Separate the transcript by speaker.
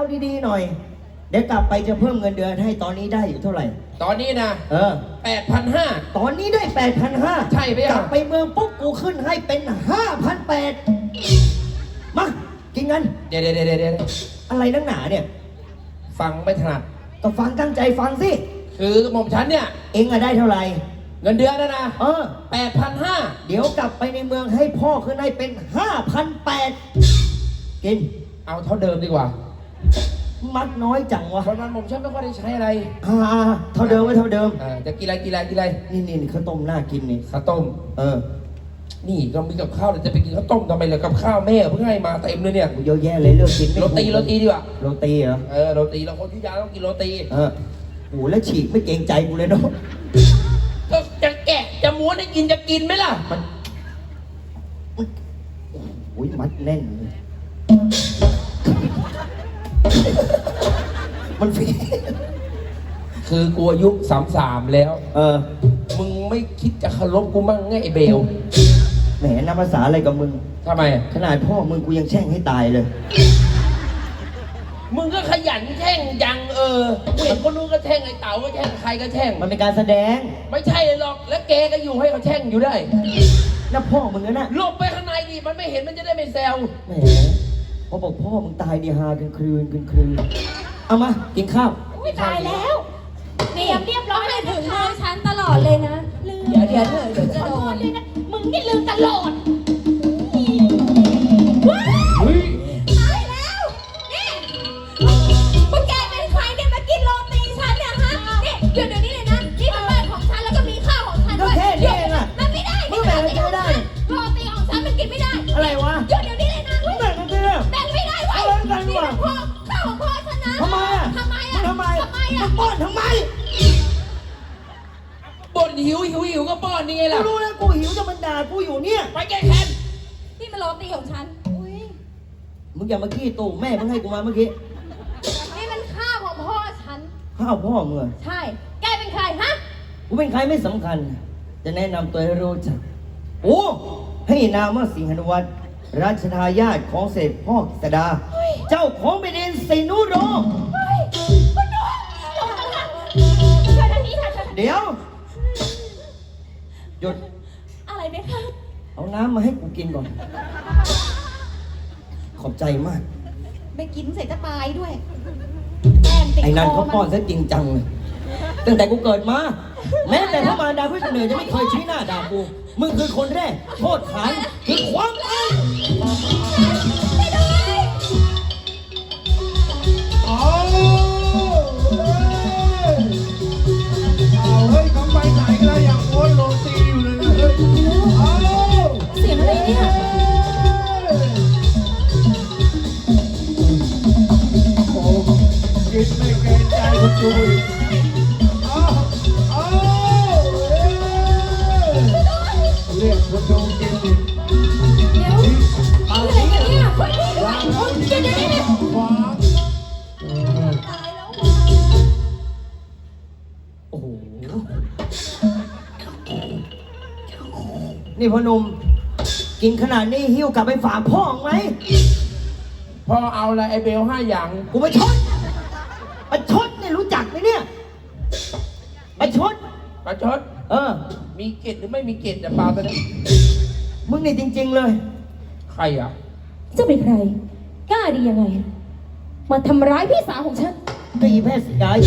Speaker 1: ดีๆหน่อยเดี๋ยวกลับไปจะเพิ่มเงินเดือนให้ตอนนี้ได้อยู่เท่าไหร่
Speaker 2: ตอนนี้นะ
Speaker 1: 8,500ตอนนี้ได้ 8,500
Speaker 2: ใช่ไหมอ่ะ
Speaker 1: กลับไปเมืองปุ๊บกูขึ้นให้เป็น 5,800มากินกัน
Speaker 2: เดี๋ยว
Speaker 1: อะไรนักหนาเนี่ย
Speaker 2: ฟังไม่ถนัด
Speaker 1: ก็ฟังตั้งใจฟังสิ
Speaker 2: คือหม่อมฉันเนี่ย
Speaker 1: เองอะได้เท่าไหร่
Speaker 2: เงินเดือนนะ
Speaker 1: 8,500เดี๋ยวกลับไปในเมืองให้พ่อขึ้นให้เป็น 5,800กิน
Speaker 2: เอาเท่าเดิมดีกว่า
Speaker 1: มัดน้อยจังวะ
Speaker 2: เพราะนั้นผมฉันไม่ค่อยได้ใช้อะไร
Speaker 1: เท่าเดิมไว้เท่าเดิม
Speaker 2: จะกินอะไร
Speaker 1: นี่ข้าวต้มน่ากินนี่
Speaker 2: ข้าวต้มนี่ก็มีกับข้าวจะไปกินข้าวต้มทำไมล่ะกับข้าวแม่เพิ่งให้มาเต็มเลยเนี่ย
Speaker 1: เยอะแยะเลยเลือกกิน
Speaker 2: โรตีดีกว่า
Speaker 1: โรตีเหรอ
Speaker 2: โรตีเราคนที่ยาต้องกินโรตี
Speaker 1: โอ้แล้วฉีกไม่เกรงใจกูเลยเนาะ
Speaker 2: ก็จะแกะจะม้วนให้กินจะกินไหมล่ะ
Speaker 1: มันโอ้ยมัดแน่นเลยมันฟี
Speaker 2: คือกูอายุ33แล้วมึงไม่คิดจะเคารพกูมั่งไงไอ้เบล
Speaker 1: แหมนับภาษาอะไรกับมึง
Speaker 2: ทำไม
Speaker 1: ขนาดพ่อมึงกูยังแช่งให้ตายเลย
Speaker 2: มึงก็ขยันแช่งยังกูเห็นคนนู้นก็แช่งไอ้เต๋าก็แช่งใครก็แช่ง
Speaker 1: มันเป็นการแสดง
Speaker 2: ไม่ใช่เลยหรอกแล้วแกก็อยู่ให้เขาแช่งอยู่ได้
Speaker 1: แล้วพ่อมึงนะ
Speaker 2: หลบไปข้างในดิมันไม่เห็นมันจะได้ไม่แซว
Speaker 1: แหมพอบอกพ่อมึงตายดีฮากันคืนเอามากินข้าว
Speaker 3: ตายแล้วเรียบร้อยเลยถึงมือฉันตลอดเลยนะเดี๋ยวเธอจะโดนเลยนะมึงนี่ลืมตลอดตายแล้วนี่พวกแกเป็นใครเนี่ยมากินโรตีฉันเนี่ยฮะนี่เดี๋ยวนี้เลยนะนี่เป็นบ้านของฉันแล้วก็มีข้าวของฉันด้วย
Speaker 1: ก็แค่นี้เองอะ
Speaker 3: มันไม่ได้
Speaker 1: มึงแบ่งไม่ได้
Speaker 3: โรตีของฉันมันกินไม่ได้
Speaker 1: อะไรวะ
Speaker 3: เดี๋ยวนี้เลยนะ
Speaker 1: มึงแบ่งไม่ได้
Speaker 3: แบ่งไม่ได้เว้ยนี่เป็นพ่อข้าวของพ่อฉันนะ
Speaker 1: ทำไมมึงป้อนทำไม
Speaker 2: บ่นหิวก็ป้อนนี่ไงล่ะ
Speaker 1: กูรู้แล้วกูหิวจะมันด่ากูอยู่เนี่ย
Speaker 2: ไปแก้แค้น
Speaker 3: นี่มันโรตีของฉัน
Speaker 1: มึงอย่ามาขี้ตู่แม่มึงให้กูมาเมื่อกี้
Speaker 3: นี่มันข้าวของพ่อฉัน
Speaker 1: ข้าวพ่อมึง
Speaker 3: ใช่แกเป็นใครฮะ
Speaker 1: กูเป็นใครไม่สำคัญจะแนะนำตัวให้รู้จักโอ้ให้นามว่าสิงหนุวัฒน์ราชทายาทของเศรษฐพ่อกฤษดาเจ้าของแผ่นดินสินุโรเดี๋ยวหยุด
Speaker 3: อะไรไหมคะ
Speaker 1: เอาน้ำมาให้กูกินก่อนขอบใจมาก
Speaker 3: ไม่กินเสร็จจะตายด้วย
Speaker 1: ไอ้นั่นเขาป้อนซะจริงจังเลยตั้งแต่กูเกิดมาแม้แต่พระมารดาผู้เสนอจะไม่เคยชี้หน้าด่ากูมึงคือคนแรกโทษฐานคือความตาย
Speaker 4: เฮ้ยเขาไปไหนกันแล้วอย่างโอ้ยโรตีอยู่เลยนะเฮ้ย
Speaker 3: เสียงอะไรเนี่ย
Speaker 4: โอ้กินไม่เกรงใจคนดูอีกเรียกคนดูกินอีก
Speaker 3: เดี๋ยวอะไรกันเนี่ยคนนี้วางแล้วเดี๋ยว
Speaker 4: วาง
Speaker 3: ตายแล้ว
Speaker 1: โอ้โหนี่พ่อหนุ่มกินขนาดนี้หิ้วกลับไปฝากพ่อไหม
Speaker 2: พ่อเอาอะไรไอเบล5 อย่าง
Speaker 1: กูไปชดเนี่ยรู้จักไหมเนี่ยไปชด
Speaker 2: มีเกล็ดหรือไม่มีเกล็ดแต่ปลาตัวนี้
Speaker 1: มึงนี่จริงๆเลย
Speaker 2: ใครอ่ะ
Speaker 3: จะเป็นใครกล้าดียังไงมาทำร้ายพี่สาวของฉัน
Speaker 1: ก็อีแพทย์สกาย